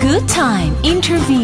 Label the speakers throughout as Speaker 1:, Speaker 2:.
Speaker 1: Good Time Interview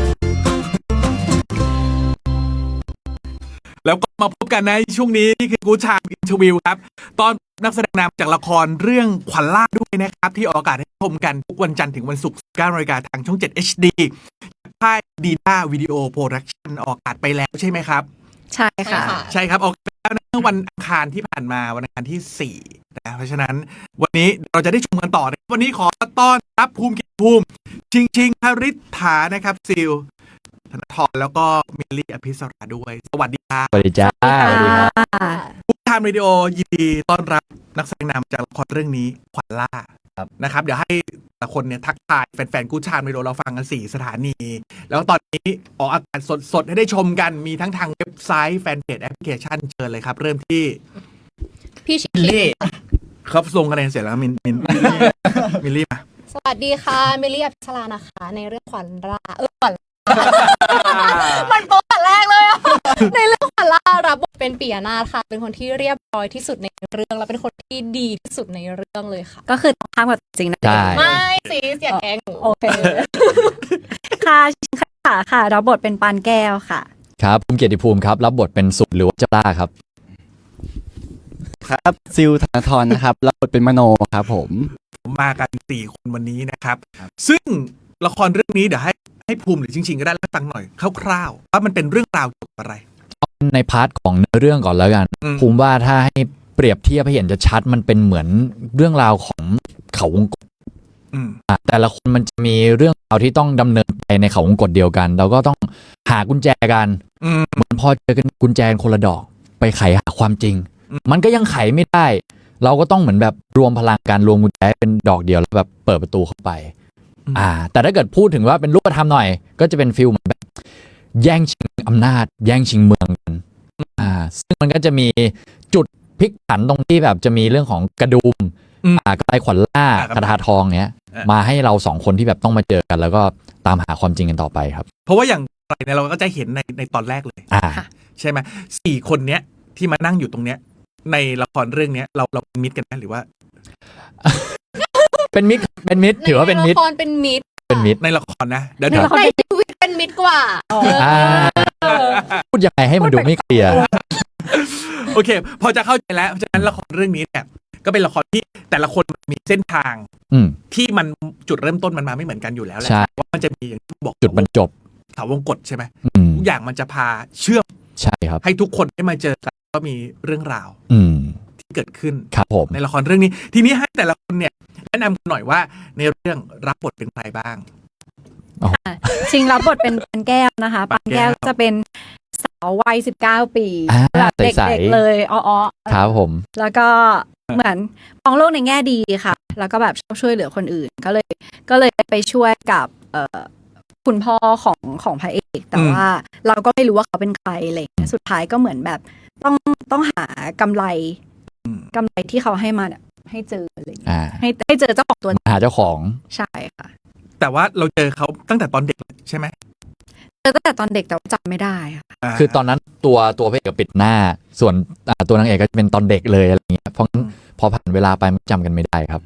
Speaker 2: แล้วก็มาพบกันในช่วงนี้นี่คือกู๊ดไทม์อินเทอร์วิวครับตอนนักแสดงนำจากละครเรื่องขวัญล่าด้วยนะครับที่ออกอากาศให้ชมกันทุกวันจันทร์ถึงวันศุกร์ 19 นาฬิกาทางช่อง 7 HD ค่ายดีน่าวิดีโอโปรดักชั่นออกอากาศไปแล้วใช่ไหมครับ
Speaker 3: ใช่ค่ะ
Speaker 2: ใช่ครับออกไปแล้วเมื่อวันอังคารที่ผ่านมาวันอังคารที่4นะเพราะฉะนั้นวันนี้เราจะได้ชมกันต่อนะวันนี้ขอต้อนรับภูมิเกียรติภูมิชิงคริษฐานะครับซิลธนทรแล้วก็มิลลี่อภิสราด้วยสวัสดีครับ
Speaker 4: สวัสดีจ้า
Speaker 2: กู๊ดไทม์วิดีโอยินดีต้อนรับนักแสดงนำจากละครเรื่องนี้ขวัญล่านะครับเดี๋ยวให้แต่ละคนเนี่ยทักทายแฟนๆกู๊ดไทม์วิดีโอเราฟังกัน4สถานีแล้วตอนนี้ออกอากาศสดๆให้ได้ชมกันมีทั้งทางเว็บไซต์แฟนเพจแอปพลิเคชันเชิญเลยครับเริ่มที่
Speaker 3: พี่ชิลลี่
Speaker 2: ครับส่งคะแนนเสร็จแล้วมิลลี่มา
Speaker 3: สวัสดีค่ะมิลลี่อภิสรานะคะในเรื่องขวัญล่าขวัญมันโป๊ะแรกเลยอ่ะในเรื่องขวัญล่ารับบทเป็นปิยนาถค่ะเป็นคนที่เรียบร้อยที่สุดในเรื่องและเป็นคนที่ดีที่สุดในเรื่องเลยค่ะ
Speaker 5: ก็คือตรงข้ามกับจริงนะ
Speaker 3: ไม่สิเสียแกงโอเค
Speaker 5: ค่ะชิงค่ะรับบทเป็นปานแก้วค่ะ
Speaker 4: ครับภูมิเกียรติภูมิครับรับบทเป็นสุดหรือว่าเจ้าล่าครับ
Speaker 6: ครับซิลธนทรนะครับรับบทเป็นมโนครับผม
Speaker 2: มากัน4คนวันนี้นะครับซึ่งละครเรื่องนี้เดี๋ยวให้ภูมิหรือจริงๆก็ได้แล้วฟังหน่อยคร่าวๆว่ามันเป็นเรื่องราวเกี่ยวกับอะไร
Speaker 4: ในพาร์ทของเนื้อเรื่องก่อนแล้วกันภูมิว่าถ้าให้เปรียบเทียบให้เห็นจะชัดมันเป็นเหมือนเรื่องราวของเขาวงกตแต่ละคนมันจะมีเรื่องราวที่ต้องดำเนินไปในเขาวงกตเดียวกันเราก็ต้องหากุญแจกันเหมือนพอเจอกันกุญแจคนละดอกไปไขหาความจริงมันก็ยังไขไม่ได้เราก็ต้องเหมือนแบบรวมพลังการรวมกุญแจเป็นดอกเดียวแล้วแบบเปิดประตูเข้าไปแต่ถ้าเกิดพูดถึงว่าเป็นรูปธรรมหน่อยก็จะเป็นฟิลเหมือนแบบแย่งชิงอำนาจแย่งชิงเมืองกันซึ่งมันก็จะมีจุดพลิกผันตรงที่แบบจะมีเรื่องของกระดุมกระต่ายขวัญล่ากระทาทองเนี้ยมาให้เราสองคนที่แบบต้องมาเจอกันแล้วก็ตามหาความจริงกันต่อไปครับ
Speaker 2: เพราะว่าอย่างไรเนี่ยเราก็จะเห็นในตอนแรกเลยใช่ไหม4 คนเนี้ยที่มานั่งอยู่ตรงเนี้ยในละครเรื่องนี้เราเป็นมิตรกันไหมหรือว่า
Speaker 4: เป็นมิตรถือว่าเป็นมิตร
Speaker 3: ในละครเป็นมิตร
Speaker 2: ในละครนะเดี๋ยว
Speaker 3: ในชีวิตเป็นมิตรกว่า
Speaker 4: พูดยังไงให้มันดูไม่เคลียร์
Speaker 2: โอเคพอจะเข้าใจแล้วเพราะฉะนั้นละครเรื่องนี้เนี่ยก็เป็นละครที่แต่ละคนมีเส้นทางที่มันจุดเริ่มต้นมันมาไม่เหมือนกันอยู่แล้วแหละว่ามันจะมีอย่างที่บอก
Speaker 4: จุดบรรจบ
Speaker 2: ถาวงกฎใช่ไหมทุกอย่างมันจะพาเชื่อม
Speaker 4: ใช่ครับ
Speaker 2: ให้ทุกคนได้มาเจอกันก็มีเรื่องราวที่เกิดขึ้น
Speaker 4: ครับผม
Speaker 2: ในละครเรื่องนี้ทีนี้ให้แต่ละคนเนี่ยแนะนำหน่อยว่าในเรื่องรับบทเป็นใครบ้าง
Speaker 5: ชิงรับบทเป็นปานแก้วนะคะปานแก้วจะเป็นสาววัย19 ปีแบบเด็กๆเลยอ้อ
Speaker 4: ครับผม
Speaker 5: แล้วก็เหมือนมองโลกในแง่ดีค่ะแล้วก็แบบชอบช่วยเหลือคนอื่นก็เลยไปช่วยกับคุณพ่อของพระเอกแต่ว่าเราก็ไม่รู้ว่าเขาเป็นใครอะไรสุดท้ายก็เหมือนแบบต้องหากำไรที่เขาให้มาให้เจออะไรให้เจอเจ้าของตัว
Speaker 4: หาเจ้าของ
Speaker 5: ใช่ค่ะ
Speaker 2: แต่ว่าเราเจอเขาตั้งแต่ตอนเด็กใช่ไหม
Speaker 5: เจอตั้งแต่ตอนเด็กแต่จำไม่ได้ค่ะ
Speaker 4: คือตอนนั้นตัวพระเอกปิดหน้าส่วนตัวนางเอกก็จะเป็นตอนเด็กเลยอะไรเงี้ยเพราะพอผ่านเวลาไปมันจำกันไม่ได้ครับ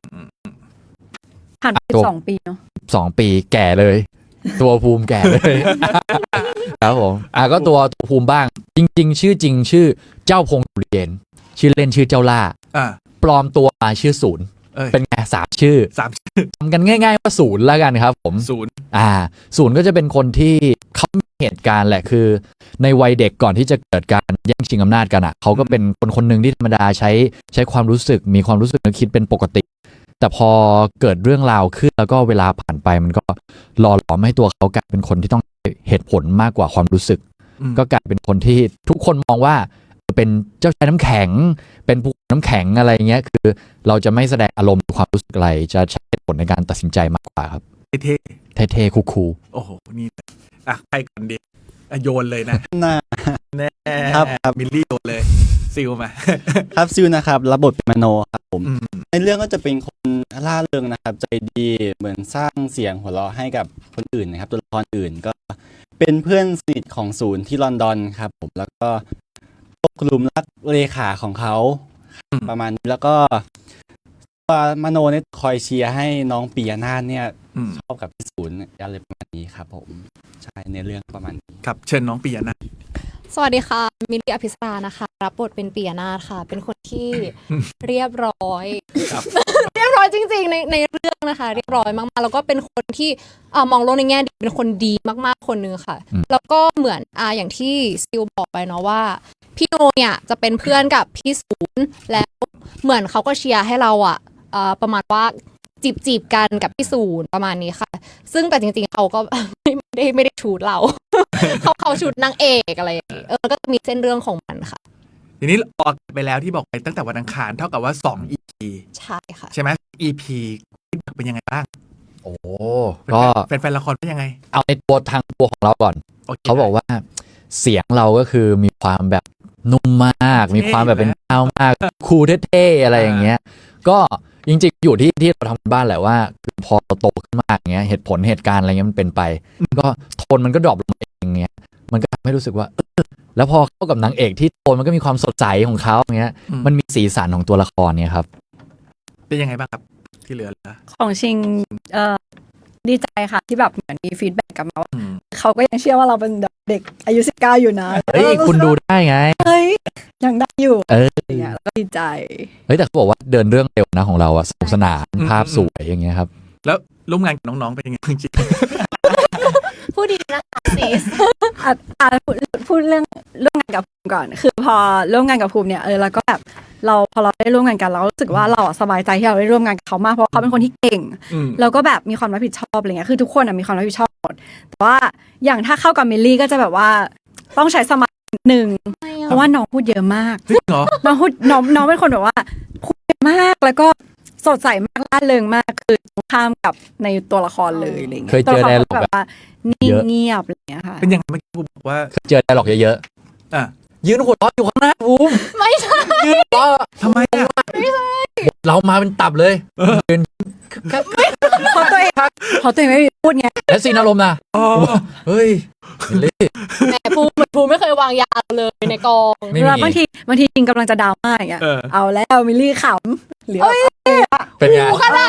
Speaker 5: ผ่านไป2 ปีเนาะ
Speaker 4: 2 ปีแก่เลยตัวภูมิแก่เลยครับผมก็ตัวภูมิบ้างจริงๆชื่อจริงชื่อเจ้าพงศ์สุริเยนชื่อเล่นชื่อเจ้าล่าปลอมตัวมาชื่อศูนย์เป็นไง3 ชื่อทำกันง่ายๆว่าศูนย์แล้วกันครับผม
Speaker 2: ศูนย์
Speaker 4: ศูนย์ก็จะเป็นคนที่เขามีเหตุการณ์แหละคือในวัยเด็กก่อนที่จะเกิดการแย่งชิงอำนาจกันเขาก็เป็นคนหนึ่งที่ธรรมดาใช้ความรู้สึกมีความรู้สึกนึกคิดเป็นปกติแต่พอเกิดเรื่องราวขึ้นแล้วก็เวลาผ่านไปมันก็หล่อหลอมให้ตัวเขากลายเป็นคนที่ต้องเหตุผลมากกว่าความรู้สึกก็กลายเป็นคนที่ทุกคนมองว่าเป็นเจ้าชายน้ำแข็งเป็นภูเขาน้ำแข็งอะไรเงี้ยคือเราจะไม่แสดงอารมณ์หรือความรู้สึกอะไรจะใช้เหตุผลในการตัดสินใจมากกว่าครับเท่คูล
Speaker 2: โอ้โหนี่ใครก่อนดีโยนเลยนะแน่
Speaker 6: ครับ
Speaker 2: มิลลี่โยนเลยซิลมา
Speaker 6: ครับซิลนะครับรับบทเป็นมโนครับผมในเรื่องก็จะเป็นคนล่าเริงนะครับใจดีเหมือนสร้างเสียงหัวเราะให้กับคนอื่นนะครับตัวละครอื่นก็เป็นเพื่อนสนิทของศูนย์ที่ลอนดอนครับผมแล้วก็ตกหลุมรักเลขาของเขาประมาณนี้แล้วก็มโนเนี่ยคอยเชียร์ให้น้องปียนาถเนี่ย
Speaker 2: อืม
Speaker 6: ชอบกับพี่ศูนย์อะไรประมาณนี้ครับผมใช่ในเรื่องประมาณนี้
Speaker 2: ครับเชิญน้องปียนะ
Speaker 3: สวัสดีค่ะมิลลี่อภิสรานะคะรับบทเป็นปิยนาถค่ะ เป็นคนที่เรียบร้อย
Speaker 2: ครับ
Speaker 3: เรียบร้อยจริงๆในเรื่องนะคะ เรียบร้อยมากๆแล้วก็เป็นคนที่มองโลกในแง่ดีเป็นคนดีมากๆคนนึงค่ะ แล้วก็เหมือนอย่างที่ซิลบอกไปเนาะว่าพี่โนเนี่ยจะเป็นเพื่อนกับพี่ศูนย์แล้วเหมือนเขาก็เชียร์ให้เราประมาณว่าจีบกันกับพี่ศูนย์ประมาณนี้ค่ะ ซึ่งแต่จริงๆเขาก็ ไม่ได้ชูดเรา เขาชูดนางเอกอะไรอย่างงี้ก็จะมีเส้นเรื่องของมันค่ะ
Speaker 2: ทีนี้ออกไปแล้วที่บอกไปตั้งแต่วันอังคารเท่ากับว่า2 EP
Speaker 3: ใช่ค่ะ
Speaker 2: ใช่ไหม EP เป็นยังไงบ้าง
Speaker 4: โอ้ก็
Speaker 2: แฟนละครเป็นยังไง
Speaker 4: เอาในทางตัวของเราก่อน
Speaker 2: โค
Speaker 4: เขาบอกว่าเสียงเราก็คือมีความแบบนุ่มมาก มีความแบบเป็นเจ้ามากคูลเท่ๆอะไรอย่างเงี้ย ก็จริงๆอยู่ที่เราทำบ้านแหละว่าคือพอเราโตขึ้นมากอย่างเงี้ยเหตุการณ์อะไรเงี้ยมันเป็นไป ก็โทนมันก็ดรอปลงมาเองอย่างเงี้ยมันก็ทำให้รู้สึกว่าแล้วพอเข้ากับนางเอกที่โทนมันก็มีความสดใสของเขาอย่างเงี้ยมันมีสีสันของตัวละครเนี่ยครับ
Speaker 2: เป็นยังไงบ้างครับที่เหลือ
Speaker 5: ของชิงดีใจค่ะที่แบบเหมือนมีฟีดแบ็กกลับมาว่า
Speaker 2: อืม
Speaker 5: เขาก็ยังเชื่อว่าเราเป็นเด็กอายุ19อยู่นะ
Speaker 4: เฮ้ยคุณดูได้ไง
Speaker 5: เฮ้ยยังได้อยู่
Speaker 4: เออ
Speaker 5: อย่างเงี้ยแล้วก็ดีใจ
Speaker 4: เฮ้ยแต่เขาบอกว่าเดินเรื่องเร็วนะของเราอะสนุกสนานภาพสวยอย่างเงี้ยครับ
Speaker 2: แล้วร่วมงานกับน้องๆเป็นยังไงจริง
Speaker 3: พูดดีนะคะซีส
Speaker 5: พูดเรื่องร่วมงานกับภูมิก่อน คือพอร่วมงานกับภูมิเนี่ยแล้วก็แบบพอเราได้ร่วมงานกันเรารู้สึกว่าเราสบายใจที่เราได้ร่วมงานกับเขามากเพราะเขาเป็นคนที่เก่ง
Speaker 2: อืม
Speaker 5: แล้วก็แบบมีความรับผิดชอบอะไรเงี้ยคือทุกคนมีความรับผิดชอบหมดแต่ว่าอย่างถ้าเข้ากับมิลลี่ก็จะแบบว่าต้องใช้สมาธินิดนึงเพราะว่าน้องพูดเยอะมาก
Speaker 2: จริงเหรอ
Speaker 5: น้องเป็นคนแบบว่าพูดเยอะมากแล้วก็สดใสมากร่าเริงมากคือตรงข้ามกับในตัวละครเลยอะไรเงี้ย
Speaker 4: เคยเจอ
Speaker 5: ตัวละคร
Speaker 4: dialogue
Speaker 5: แบบว่านิ่
Speaker 4: เย
Speaker 5: ง
Speaker 4: อะ
Speaker 5: เงียบอะไรเงี้ยค่ะ
Speaker 2: เป็นยังไงเมื่อกี้กูบอกว่า
Speaker 4: เจอไดร์ล็อกเยอะ
Speaker 2: อ่ะ
Speaker 4: ๆยืนหัวเราะอยู่ข้างหน้าบูม
Speaker 3: ไม่ใช่
Speaker 4: ยืนหัวเราะ
Speaker 2: ทำไมอ่ะ
Speaker 4: เรามาเป็นตับเลยยืน
Speaker 5: เพราะตัวเองไม่มีพูดไง
Speaker 4: และซีนอารมณ์นะ
Speaker 2: อ๋อ
Speaker 4: เฮ้ยมิลลี่
Speaker 3: แหมภูมิไม่เคยวางยาเลยในกอง
Speaker 4: ไม่
Speaker 5: แล้ว
Speaker 4: มี
Speaker 5: บางทีจริงกำลังจะดราม่าอย่างเงี้ย
Speaker 2: เออ
Speaker 5: เอาแล้วมิลลี่ขำหรือว่า
Speaker 4: เป็นไง
Speaker 3: ขนาด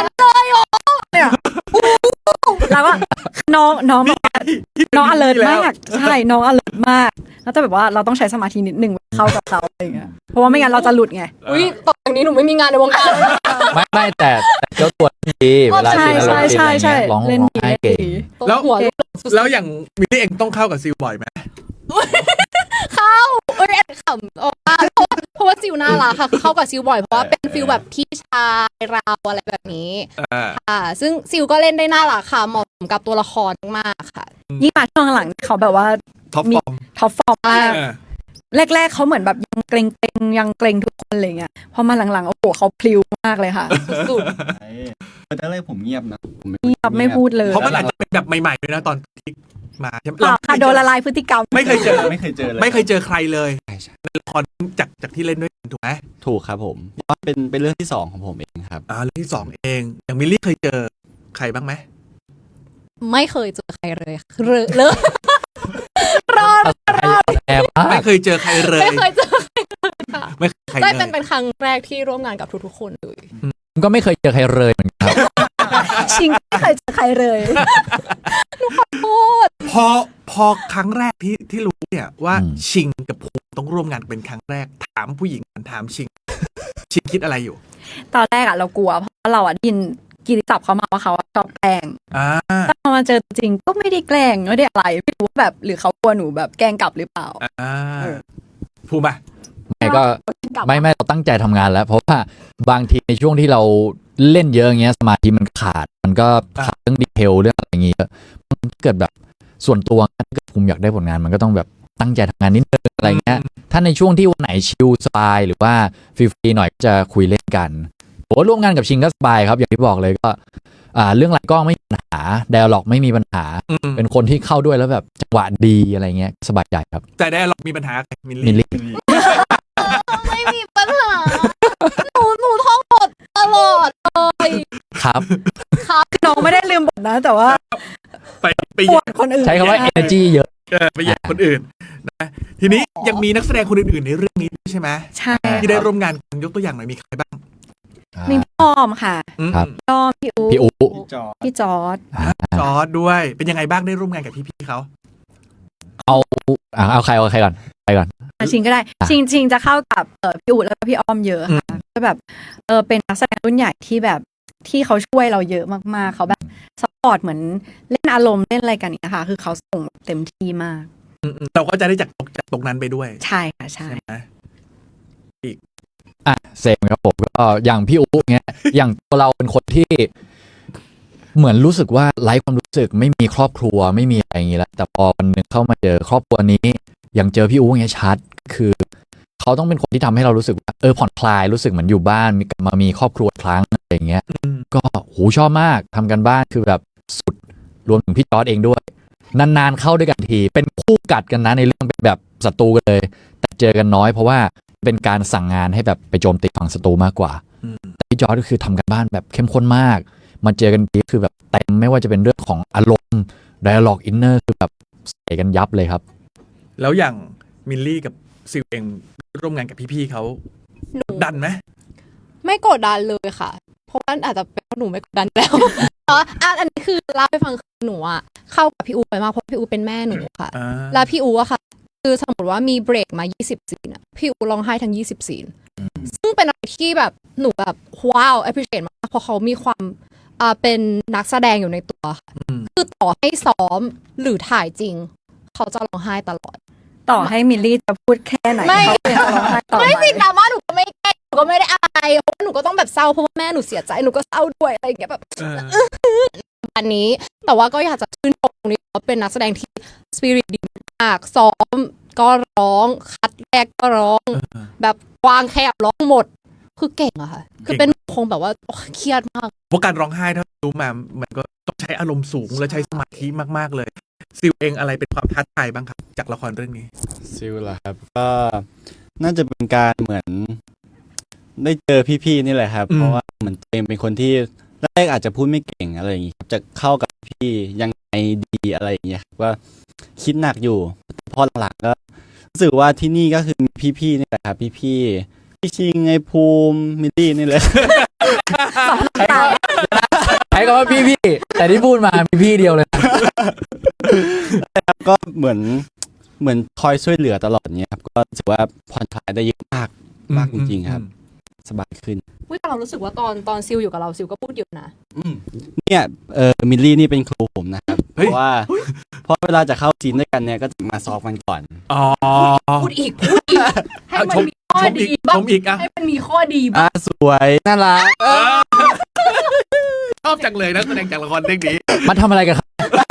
Speaker 5: แล้วก็น้องแบบว่า
Speaker 2: ที่เป็น
Speaker 5: น้อง alert
Speaker 2: แล้ว
Speaker 5: มากใช่น้อง alert มากแล้วแต่แบบว่าเราต้องใช้สมาธินิดนึงเข้ากับเขาอะไรอย่างเงี้ยเพราะว่าไม่งั้นเราจะหลุดไง
Speaker 3: อุ้ยต่อจากนี้หนูไม่มีงานในวงการแล้วนะ
Speaker 4: ไม่แต่เจ้าตัวดีเวลา
Speaker 5: ใช่
Speaker 4: ซีนอารมณ์
Speaker 5: ใช่
Speaker 4: ดี
Speaker 5: ใช่
Speaker 4: อะไรเงี้ยร้อง
Speaker 5: เล่นดี
Speaker 4: ไห้
Speaker 5: เล่น
Speaker 4: เก่ง
Speaker 5: ดี
Speaker 2: แล้ว
Speaker 3: หัวลูก
Speaker 2: แล้วอย่างมิลลี่เองต้องเข้ากับซิลบ่อยไหม
Speaker 3: เข้าแอบขำออกมาเพราะว่าซิลน่ารักค่ะคือเข้ากับซิลบ่อยเพราะว่าเป็นฟิลแบบพี่ชายเราอะไรแบบนี้ ค่ะซึ่งซิลก็เล่นได้น่ารักค่ะเหมาะสมกับตัวละครมากๆค่ะ
Speaker 5: ยิ่งมาช่วงหลังเขาแบบว่า
Speaker 2: ท็อปฟอร์ม
Speaker 5: ท็อปฟอร์มมาก
Speaker 2: เออ
Speaker 5: แรกๆเขาเหมือนแบบยังเกรงยังเกรงทุกคนอะไรเงี้ยพอมาหลังๆโอ้โหเขาพลิ้วมากเลยค่ะ
Speaker 3: สุด
Speaker 6: ตอนแรกผมเงียบนะผม
Speaker 5: เงียบไม่พูดเลย
Speaker 2: เพราะมันอาจจะเป็นแบบใหม่ๆด้วยนะตอนที่มาใช่ไหม
Speaker 5: เปล่าค่ะโดนละลายพฤติกรรม
Speaker 2: ไม่เคยเจอ
Speaker 6: ไม่เคยเจอเลย
Speaker 2: ไม่เคยเจอใครเลย
Speaker 6: ใช่ใช่
Speaker 2: ในละครจากที่เล่นด้วยกันถูกไหม
Speaker 6: ถูกครับผมเพราะว่าเป็นเรื่องที่สองของผมเองครับ
Speaker 2: เรื่องที่สองเองอย่างมิลลี่เคยเจอใครบ้างไหม
Speaker 3: ไม่เคยเจอใครเลยค่ะเลยรอด
Speaker 4: แอบมาก
Speaker 2: ไม่เคยเจอใครเลย
Speaker 3: ไม่เคยเจอใครเลยค่ะ
Speaker 2: ไม่เคยใคร
Speaker 3: ได้
Speaker 2: เล
Speaker 3: เป็น
Speaker 2: ย
Speaker 3: เป็นครั้งแรกที่ร่วมงานกับทุกๆคนเลย
Speaker 4: ผมก็ไม่เคยเจอใครเลยเหมือนกันครับ
Speaker 5: ชิงไม่เคยเจอใครเลย
Speaker 2: พอครั้งแรกที่รู้เนี่ยว่าชิงกับภูมิต้องร่วมงานเป็นครั้งแรกถามผู้หญิงถามชิง ชิงคิดอะไรอยู่
Speaker 5: ตอนแรกเรากลัวเพราะเราได้ยินกิตติศัพท์เขามาว่าเขาชอบแกล้ง
Speaker 2: อ่า
Speaker 5: แต่พอมาเจอจริงก็ไม่ได้แกล้งไม่ได้อะไรไม่รู้ว่าแบบหรือเขากลัวหนูแบบแกล้งกลับหรือเปล่า
Speaker 2: ภูมิอ่ะ
Speaker 4: ไม่ก็
Speaker 5: กลับ
Speaker 4: ไม่เราตั้งใจทำงานแล้ว เพราะว่าบางทีในช่วงที่เราเล่นเยอะอย่างเงี้ยสมาธิมันขาดมันก็ขาดเรื่องดีเทลเรื่องอะไรอย่างเงี้ยมันเกิดแบบส่วนตัวถ้าเกิดภูมิอยากได้ผลงานมันก็ต้องแบบตั้งใจทำงานนิดนึงอะไรเงี้ยถ้าในช่วงที่วันไหนชิลสบายหรือว่าฟรีๆหน่อยก็จะคุยเล่นกันโอ้ร่วมงานกับชิงก็สบายครับอย่างที่บอกเลยก็เรื่องหลักกล้องไม่มีปัญหาไดอะล็อกไม่มีปัญหา เป็นคนที่เข้าด้วยแล้วแบบจังหวะดีอะไรเงี้ยสบายใจครับ
Speaker 2: แต่ได้หรอกมีปัญหากับมิล
Speaker 4: มิล
Speaker 2: ลี่
Speaker 4: ลี่
Speaker 3: ไม่มีปัญหาหนูท่องบทตลอดเลย
Speaker 4: ครับ
Speaker 3: ครับ
Speaker 5: น้องไม่ได้ลืมบทนะ แต่ว่า
Speaker 2: ไป
Speaker 5: ปวดคนอื่น
Speaker 4: ใช้คำว่า energy เยอะ
Speaker 2: ไปแย่งคนอื่นนะทีนี้ยังมีนักแสดงคนอื่นๆในเรื่องนี้ด้วยใช่ไหม
Speaker 5: ใช่
Speaker 2: ที่ได้ร่วมงานกันยกตัวอย่างหน่อยมีใครบ้าง
Speaker 5: มีพี่อ้อมค่ะ
Speaker 4: ครับ
Speaker 5: พี่อ้อมพี่อู
Speaker 4: พี่อู
Speaker 5: พี่จอร์ด
Speaker 2: จอร์ดด้วยเป็นยังไงบ้างได้ร่วมงานกับพี่ๆเขา
Speaker 4: เอาใครก่อน
Speaker 5: ชิงก็ได้ชิงจะเข้ากับพี่อูแล้วก็พี่อ้อมเยอะค่ะก็แบบเป็นนักแสดงรุ่นใหญ่ที่แบบที่เขาช่วยเราเยอะมากๆเขาแบบซัพพอร์ตเหมือนเล่นอารมณ์เล่นอะไรกันเนี่ยค่ะคือเขาส่งเต็มที่มาก
Speaker 2: เราก็จะได้จากตรงนั้นไปด้วย
Speaker 5: ใช่ค่ะใช่
Speaker 2: ใช่ไหม
Speaker 4: เซมครับผมก็อย่างพี่อูเงี้ย อย่างตัวเราเป็นคนที่เหมือนรู้สึกว่าไร้ความรู้สึกไม่มีครอบครัวไม่มีอะไรอย่างงี้แล้วแต่พอวันหนึงเข้ามาเจอครอบครัวนี้อย่างเจอพี่อูเงี้ยชัดคือเขาต้องเป็นคนที่ทำให้เรารู้สึกว่าผ่อนคลายรู้สึกเหมือนอยู่บ้านกลับมามีครอบครัวอีกครั้งอะไรอย่างเงี้ยก็ชอบมากทำกันบ้านคือแบบสุดรวมถึงพี่จอร์ดเองด้วยนานๆเข้าด้วยกันทีเป็นคู่กัดกันนะในเรื่องเป็นแบบศัตรูกันเลยแต่เจอกันน้อยเพราะว่าเป็นการสั่งงานให้แบบไปโจมตีฝั่งศัตรูมากกว่าแต่พี่จอร์ดก็คือทำกันบ้านแบบเข้มข้นมากมาเจอกันทีคือแบบเต็มไม่ว่าจะเป็นเรื่องของอารมณ์ dialogue inner คือแบบใส่กันยับเลยครับ
Speaker 2: แล้วอย่างมิลลี่กับซิลเองร่วมงานกับพี่ๆเขา
Speaker 3: หนู
Speaker 2: ดันไหม
Speaker 3: ไม่กดดันเลยค่ะ เพราะว่าอาจจะเป็นเพราะหนูไม่กดดันแล้ว อันนี้คือเล่าให้ฟังคือหนูอะเข้ากับพี่อูไปมากเพราะพี่อูเป็นแม่หนูค่ะ
Speaker 2: อ่า
Speaker 3: แล้วพี่อูอะค่ะ คือสมมติว่ามีเบรกมา20ซีนอะพี่อูร้องไห้ทั้ง20ซีนซึ่งเป็นอะไรที่แบบหนูแบบว้าว appreciate มากเพราะเขามีความเป็นนักแสดงอยู่ในตัวค่ะคือต่อให้ซ้อมหรือถ่ายจริง เขาจะร้องไห้ตลอด
Speaker 5: ต่อให้มิลลี่จะพูดแค่ไหน
Speaker 3: ไม่
Speaker 5: เขาก็ยังจะร้องไห้ต่อ
Speaker 3: ไม่
Speaker 5: ไป
Speaker 3: สิดราม่าหนูก็ไม่แก้หนูก็ไม่ได้อะไรเพราะว่าหนูก็ต้องแบบเศร้าเพราะว่าแม่หนูเสียใจหนูก็เศร้าด้วยอะไรอย่างเงี้ยแบบ อันนี้แต่ว่าก็อยากจะชื่นชมตรงนี้ว่าเป็นนักแสดงที่สปิริตดีมากซ้อมก็ร้องคัดแรกก็ร้อง แบบวางแคบร้องหมด คือเก่งอะค่ะ คือเป็นคงแบบว่าโอ้เครียดมาก
Speaker 2: เพราะการร้องไห้ถ้ารู้มามันก็ต้องใช้อารมณ์สูงและใช้สมาธิมากๆเลยซิลเองอะไรเป็นความท้าทายบ้างครับ จากละครเรื่องนี้
Speaker 6: ซิลล่ะครับก็น่าจะเป็นการเหมือนได้เจอพี่ๆนี่แหละครับ
Speaker 2: อืม
Speaker 6: เพราะว่าเหมือนตัวเองเป็นคนที่แรกอาจจะพูดไม่เก่งอะไรอย่างงี้ครับจะเข้ากับพี่ยังไงดีอะไรอย่างเงี้ยครับว่าคิดหนักอยู่พอหลังๆก็รู้สึกว่าที่นี่ก็คือมีพี่ๆนี่แหละครับพี่ชิงไอภูมิมิลลี่นี่เลย
Speaker 4: ใช้คำว่าพี่แต่ที่พูดมามีพี่เดียวเลย
Speaker 6: ก็เหมือนคอยช่วยเหลือตลอดเนี้ยครับก็รู้สึกว่าผ่อนคลายได้เยอะมากจริงๆครับ สบายขึ้น
Speaker 3: อุ๊ยแต่เรารู้สึกว่าตอนซิลอยู่กับเราซิลก็พูดเยอะนะ
Speaker 6: เนี่ยมิลลี่นี่เป็นครูผมนะครับ
Speaker 2: เฮ้
Speaker 6: เพ
Speaker 2: ย
Speaker 6: ราะว่าพอเวลาจะเข้าซีนด้วยกันเนี่ยก็จะมาซ้อมกันก่อน
Speaker 2: อ๋อ
Speaker 3: พูดอีกให้มันมีข้อ
Speaker 2: ชม
Speaker 3: ดี
Speaker 2: อีก
Speaker 3: บ้า
Speaker 2: ช
Speaker 3: ง
Speaker 2: มอีกอ่ะ
Speaker 3: ให้มันมีข้อดีบ้าง
Speaker 6: สวยน่ารัก
Speaker 2: ชอบจังเลยนะแสดงจากละครเรื่องนี้
Speaker 4: มาทำอะไรกันครับ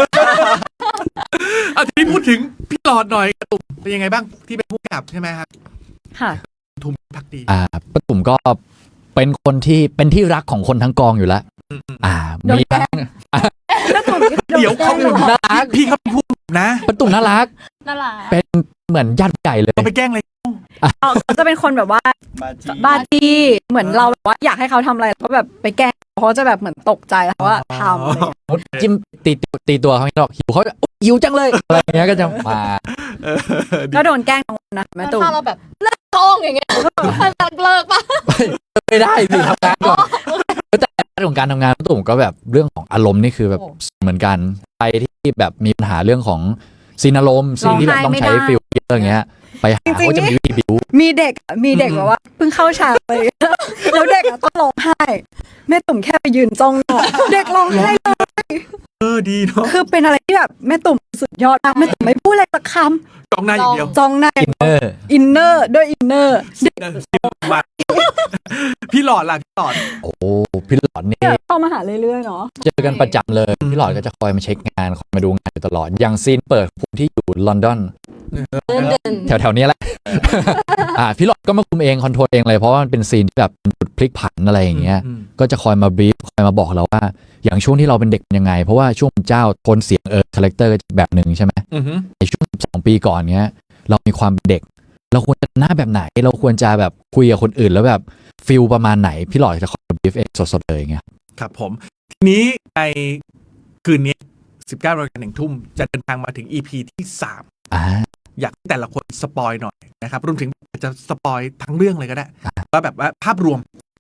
Speaker 2: ทีนี้พูดถึงพี่หลอดหน่อยกระตุกเป็นยังไงบ้างที่เป็นผู้กำกับใช่ไหมครับ
Speaker 5: ค่ะ
Speaker 2: ทุมพักดี
Speaker 4: ป้าตุ่มก็เป็นคนที่เป็นที่รักของคนทั้งกองอยู่แล้ว
Speaker 5: โดน
Speaker 4: มี
Speaker 5: แกล้ง
Speaker 2: เดี๋ยวเขาเป็น
Speaker 4: น่ารัก
Speaker 2: พี่เขาเป็นผู้กำกับนะ
Speaker 4: ป้าตุ่มน่ารัก
Speaker 3: น่ารัก
Speaker 4: เป็นเหมือนญาติใหญ่เลย
Speaker 2: เราไปแกล้งอะไร
Speaker 5: เขาจะเป็นคนแบบว่าบ้าจี้เหมือนเราแบบว่าอยากให้เขาทำอะไรก็แบบไปแกล้งเขาจะแบบเหมือนตกใจแล้วว่าทำอะไรอย่างเงี้ย
Speaker 4: จิ้มตีตัวเขาไม่หรอกหิวเขาหิวจังเลยอะไรอย่างเงี้ยก็จะมา
Speaker 5: ก็โดนแกล้งทั้งวันนะแม่
Speaker 3: แล้ว
Speaker 5: ตู่
Speaker 3: ถ้าเราแบบเลิกกล้องอย่างเงี้ยเลิกปะ
Speaker 4: ไม่ได้สิทำงานก่อนแต่เรื่องของการทำงานป้าตุ่มก็แบบเรื่องของอารมณ์นี่คือแบบเหมือนกันไปที่แบบมีปัญหาเรื่องของซีนอารมณ์ซีนที่แบบต้องใช้ฟิลเยอะอย่างเงี้ยไปหาเขาจะมีวิธีบิว
Speaker 5: มีเด็กแบบว่าเพิ่งเข้าฉากเลยแล้วเด็กอะต้องร้องไห้แม่ตุ่มแค่ไปยืนจ้องหน้าเด็กร้องไห้เลย
Speaker 2: ดีเนาะ
Speaker 5: คือเป็นอะไรที่แบบแม่ตุ่มสุดยอดมากแม่ตุ่มไม่พูดอะไรสักค
Speaker 2: จ้องหน้าอย่างเดียว
Speaker 5: ำจ้องหน้า
Speaker 4: อินเนอร์
Speaker 5: อินเนอร์ด้วยอินเนอร์
Speaker 2: มาพี่หลอดล่ะพี่หลอด
Speaker 4: โอ้พี่หลอดนี่
Speaker 5: เข้ามาหาเรื่อยๆเนาะ
Speaker 4: เจอกันประจำเลยพี่หลอดก็จะคอยมาเช็คงานคอยมาดูงานอยู่ตลอดอย่างซีนเปิดภูมิที่อยู่ลอนดอน
Speaker 3: เดิน
Speaker 4: แถวๆนี้แหละ พี่หลอดก็มาคุมเองคอนโทรลเองเลยเพราะว่ามันเป็นซีนที่แบบเป็นจุดพลิกผันอะไรอย่างเงี้ยก็จะคอยมาบรีฟคอยมาบอกเราว่า อย่างช่วงที่เราเป็นเด็กเป็นยังไง เพราะว่าช่วงเป็นเจ้าโทนเสียงคาแรคเตอร์แบบหนึ่งใช่ไหมในช่วง12 ปีก่อนเนี้ยเรามีความเป็นเด็ก เราควรจะหน้าแบบไหนเราควรจะแบบคุยกับคนอื่นแล้วแบบฟิลประมาณไหนพี่หลอดจะคอยบรีฟเองสดๆเลยอย่างเงี้ย
Speaker 2: ครับผม ทีนี้ในคืนนี้ 19 นาฬิกา 1 ทุ่มจะเดินทางมาถึง EP ที่ 3 อยากให้แต่ละคนสปอยหน่อยนะครับรวมถึงอาจจะสปอยทั้งเรื่องเลยก็ได้ว่าแบบว่าภาพรวม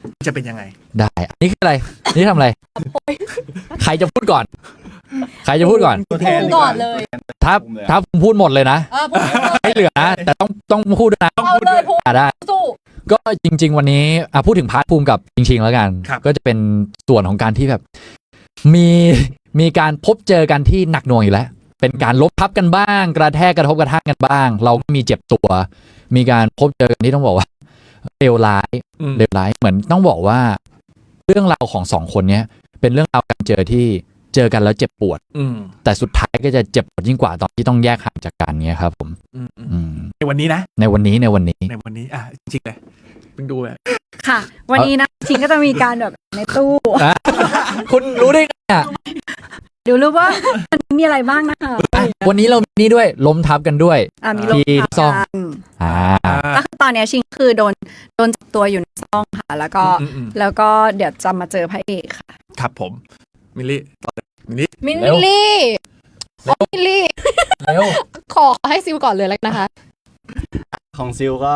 Speaker 2: จะเป็นยังไง
Speaker 4: ได้อันนี้คืออะไรอันนี่ทำอะไร ใครจะพูดก่อน ใครจะพูดก่อน
Speaker 6: ตัวแทน
Speaker 3: พูดก่อนเลย
Speaker 4: ถ้าผมพูดหมดเลยนะ
Speaker 3: พูดเลย
Speaker 4: ไม่เหลือนะแต่ต้องพูดด้วยนะ
Speaker 3: เอาเลยพูด
Speaker 4: ได้
Speaker 3: สู้
Speaker 4: ก็จริง ๆ วันนี้พูดถึงพาร์ทภูมิกับจริง ๆ แล้วกัน
Speaker 2: ครับ
Speaker 4: ก็จะเป็นส่วนของการที่แบบ มีการพบเจอกันที่หนักหน่วงอยู่แล้ว เป็นการลบทับกันบ้าง กระแทกกระทบกระทั่งกันบ้าง เราก็มีเจ็บตัว มีการพบเจอกันที่ต้องบอกว่าเลวร้าย
Speaker 2: อืม
Speaker 4: เลวร้ายเหมือนต้องบอกว่า เรื่องราวของสองคนเนี้ยเป็นเรื่องราวการเจอที่เจอกันแล้วเจ็บปวด
Speaker 2: อืม
Speaker 4: แต่สุดท้ายก็จะเจ็บปวดยิ่งกว่าตอนที่ต้องแยกห่างจากกันเนี้ยครับผม
Speaker 2: อืมอืม
Speaker 4: อืม
Speaker 2: ในวันนี้นะ
Speaker 4: ในวันนี้
Speaker 2: ในวันนี้จริงๆเลยเพิ่งดูแบบ
Speaker 5: ค่ะ วันนี้นะชิงก็จะมีการแบบในตู้
Speaker 4: คุณรู้ได้ไงอ่ะ
Speaker 5: เดี๋ยวรู้ว่ามันมีอะไรบ้างนะคะ
Speaker 4: วันนี้เรามีนี่ด้วยล้มทับกันด้วย
Speaker 5: มีลง
Speaker 4: ที่ซ่อง
Speaker 5: กัน
Speaker 4: อ่า
Speaker 5: ก็คือตอนเนี้ยชิงคือโดนจับตัวอยู่ในซ่องค่ะ แล้วก็
Speaker 2: อืม
Speaker 5: แล้วก็เดี๋ยวจะมาเจอพระเอกค่ะ
Speaker 2: ครับผมมิลลี่ต่อเลยมิลลี่
Speaker 3: มิน
Speaker 4: เร็ว
Speaker 3: ลี่โอ้มินลี่
Speaker 4: เร็ว
Speaker 3: ขอให้ซิลก่อนเลยแล้วกันนะคะ
Speaker 6: ของซิลก็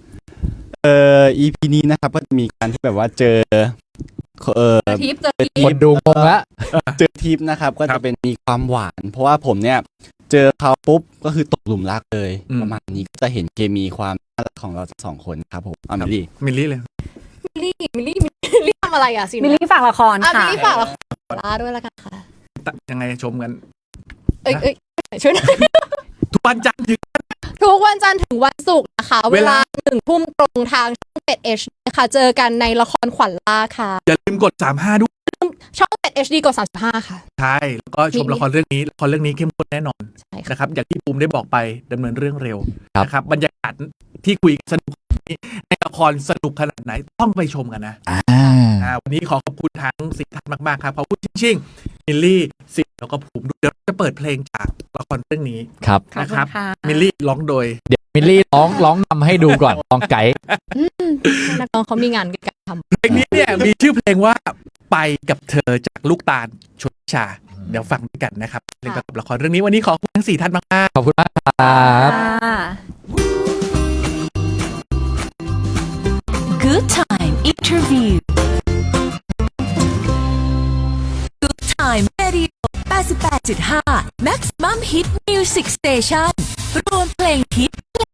Speaker 6: EP นี้นะครับก็จะมีการที่แบบว่าเจอ
Speaker 3: ทิปเจอทิ
Speaker 4: ค
Speaker 3: ป
Speaker 4: นดูงงละ
Speaker 6: เจอทิปนะครับก็จะเป็นมีความหวาน เพราะว่าผมเนี่ยเจอเขาปุ๊บก็คือตกหลุมรักเลยประมาณนี้ก็จะเห็นเคมีความน่ารักของเราสองคนครับผมมิลลี่
Speaker 2: มิลลี่เลย
Speaker 3: มิลลี่ทำอะไรอ่ะซิล
Speaker 5: มิลลี่ฝากละคร
Speaker 3: มิล
Speaker 5: ค่ะ
Speaker 3: ลี่ฝากละครลาด้วยแล้วกันค่ะ
Speaker 2: ยังไงชมกัน
Speaker 3: เอ้ยช่วยหน่อย
Speaker 2: ทุกวันจันทร์ถึง
Speaker 3: ทุกวันจันทร์ถึงวันศุกร์นะคะ เวลา1 ทุ่มตรงทางช่อง7 HD ค่ะเจอกันในละครขวัญล่าค่ะ
Speaker 2: อย่าลืมกด 35 ด้วย
Speaker 3: ช่อง7 HD กด35ค่ะ
Speaker 2: ใช่แล้วก็ชมละครเรื่องนี้ละครเรื่องนี้เข้มข้นแน่นอน
Speaker 3: ใช่ค่ะ
Speaker 2: นะครับอย่างที่ภูมิได้บอกไปดำเนินเรื่องเร็ว
Speaker 4: ครับ
Speaker 2: นะครับบรรยากาศที่คุยกันสนุกนี้ในละครสนุกขนาดไหนต้องไปชมกันนะ วันนี้ขอขอบคุณทั้งสี่ท่านมากๆครับขอบคุณชิงๆมิลลี่สิแล้วก็ภูมิด้วยเดี๋ยวจะเปิดเพลงจากละครเรื่องนี้
Speaker 4: ครับ
Speaker 2: นะครับ
Speaker 5: ขอบคุณค่ะ
Speaker 2: มิลลี่ร้องโดย
Speaker 4: เดี๋ยวมิลลี่ร้องนำให้ดูก่อนลองไกด์
Speaker 3: นักร้องเขามีงานกันทำ
Speaker 2: เพลงนี้เนี่ยมีชื่อเพลงว่าไปกับเธอจากลูกตาลชนชา เดี๋ยวฟังด้วยกันนะครับเล่นกับละครเรื่องนี้วันนี้ขอบคุณทั้งสี่ท่านมากๆ
Speaker 4: ขอบคุณมากครับ
Speaker 5: ค่ะ
Speaker 1: Good Time Interview Good Time Radio 88.5 Maximum Hit Music Station รวมเพลงฮิต